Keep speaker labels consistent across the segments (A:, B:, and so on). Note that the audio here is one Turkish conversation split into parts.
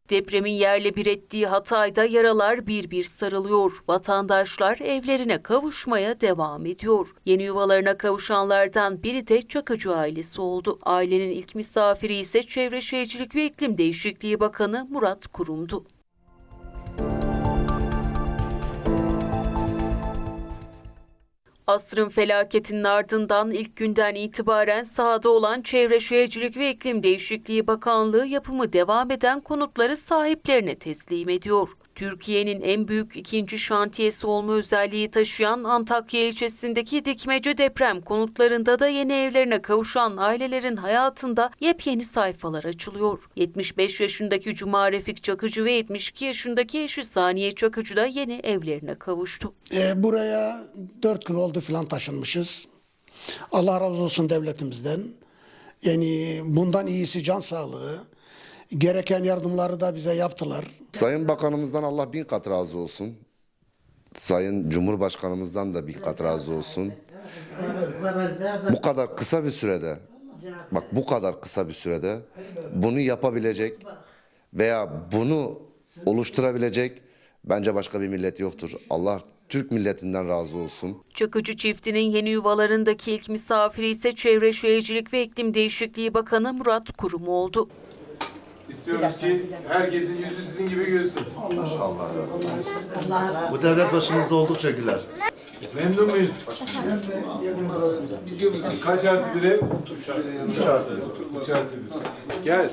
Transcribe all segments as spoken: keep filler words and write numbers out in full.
A: Depremin yerle bir ettiği Hatay'da yaralar bir bir sarılıyor. Vatandaşlar evlerine kavuşmaya devam ediyor. Yeni yuvalarına kavuşanlardan biri de Çakıcı ailesi oldu. Ailenin ilk misafiri ise Çevre Şehircilik ve İklim Değişikliği Bakanı Murat Kurum'du. Asrın felaketinin ardından ilk günden itibaren sahada olan Çevre Şehircilik ve İklim Değişikliği Bakanlığı yapımı devam eden konutları sahiplerine teslim ediyor. Türkiye'nin en büyük ikinci şantiyesi olma özelliği taşıyan Antakya ilçesindeki Dikmece deprem konutlarında da yeni evlerine kavuşan ailelerin hayatında yepyeni sayfalar açılıyor. yetmiş beş yaşındaki Cuma Refik Çakıcı ve yetmiş iki yaşındaki eşi Saniye Çakıcı da yeni evlerine kavuştu.
B: E, buraya dört gün oldu falan taşınmışız. Allah razı olsun devletimizden. Yani bundan iyisi can sağlığı. Gereken yardımları da bize yaptılar.
C: Sayın Bakanımızdan Allah bin kat razı olsun. Sayın Cumhurbaşkanımızdan da bin kat razı olsun. Bu kadar kısa bir sürede, bak bu kadar kısa bir sürede bunu yapabilecek veya bunu oluşturabilecek bence başka bir millet yoktur. Allah Türk milletinden razı olsun.
A: Çakıcı çiftinin yeni yuvalarındaki ilk misafiri ise Çevre Şehircilik ve İklim Değişikliği Bakanı Murat Kurum oldu.
D: İstiyoruz ki herkesin yüzü sizin gibi gülsün.
E: Allah Bu devlet başımızda oldukça güler.
D: Memnun muyuz? Kaç artı bir ev? Üç artı bir. Üç artı bir. Gel.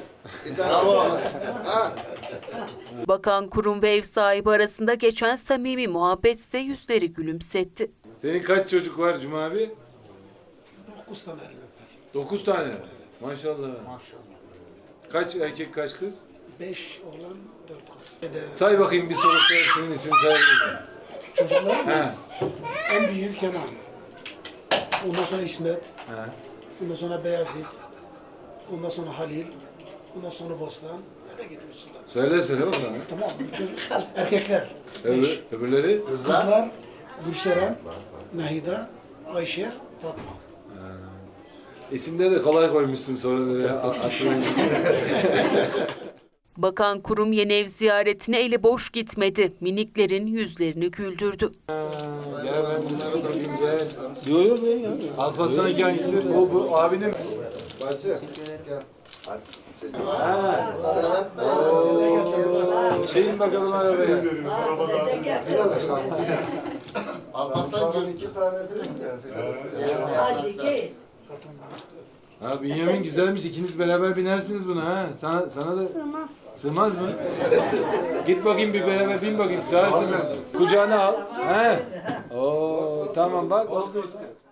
A: Bakan Kurum ve ev sahibi arasında geçen samimi muhabbet ise yüzleri gülümsetti.
D: Senin kaç çocuk var Cuma abi?
B: Dokuz tane öper.
D: Dokuz tane. Maşallah. Maşallah. Kaç erkek kaç kız?
B: Beş oğlan, dört kız.
D: Say bakayım bir soru hepsinin ismini sayabilirim.
B: Çocuklarımız en büyük Kenan. Ondan sonra İsmet.
D: He.
B: Ondan sonra Beyazıt. Ondan sonra Halil. Ondan sonra Bostan. Öyle gidiyorsun.
D: Söyle söyle bakalım.
B: Tamam bu çocuk erkekler.
D: Öbür, öbürleri?
B: Kızlar Gülseren, Nahida, Ayşe, Fatma.
D: İsimleri de kolay koymuşsun sonra böyle aklına.
A: Bakan Kurum yeni ev ziyaretine eli boş gitmedi. Miniklerin yüzlerini güldürdü.
D: Ya ben bunları da siz ver. Yok yok ben ya. Alparslan iki hangisi? Bu, bu abinin.
C: Bacı gel.
D: Ha. Şeyin bakalım arabaya.
C: Alparslan'dan iki tane değil mi?
D: Ha Bünyamin güzelmiş. İkiniz beraber binersiniz buna ha. Sana sana da sığmaz. Sığmaz mı? Git bakayım bir beraber bin bakayım. Sığarsın. Kucağına al. He. Oo tamam bak oldu işte.